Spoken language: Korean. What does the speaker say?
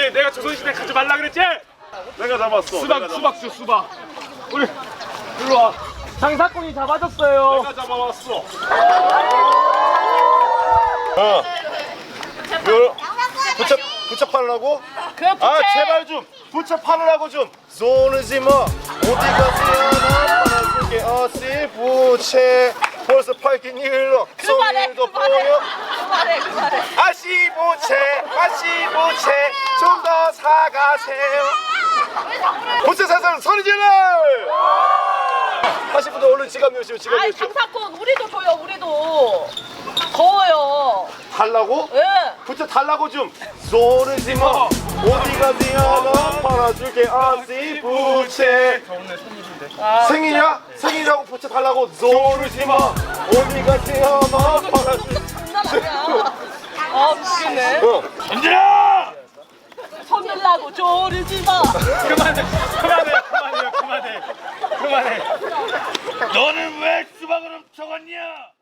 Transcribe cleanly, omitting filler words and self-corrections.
그랬지? 내가 조선시대 가지 말라 그랬지? 내가 잡았어. 수박 줘 수박. 우리 일로 와. 장사꾼이 잡아줬어요. 내가 잡아왔어. 어. 이거 부채 팔으라고? 아 제발 좀 부채 팔으라고 좀. 쏘르지 마. 어디 가세요? 난 팔아줄게. 어씨 부채 벌써 팔긴 일러. 손일도 보여. 그만해. 아씨 부채 좀 더 사가세요. 부채 사서는 소리 질러. 하신 분들 얼른 지갑 여시오. 지갑 아이 여시오. 장사꾼 우리도 줘요 우리도. 더워요. 달라고? 예. 부채 달라고 좀. 쏘르지 마. 어디 가세요? 난 팔아줄게. 아씨 부채. 생일이야? 생일이라고 부채 달라고. 쏘르지 마. 어디 가세요? 난 팔아줄게. 장난 아니야. 아 미치겠네. 현진아! 손들라고 조르지 마. 그만해. 너는 왜 수박을 훔쳐갔냐?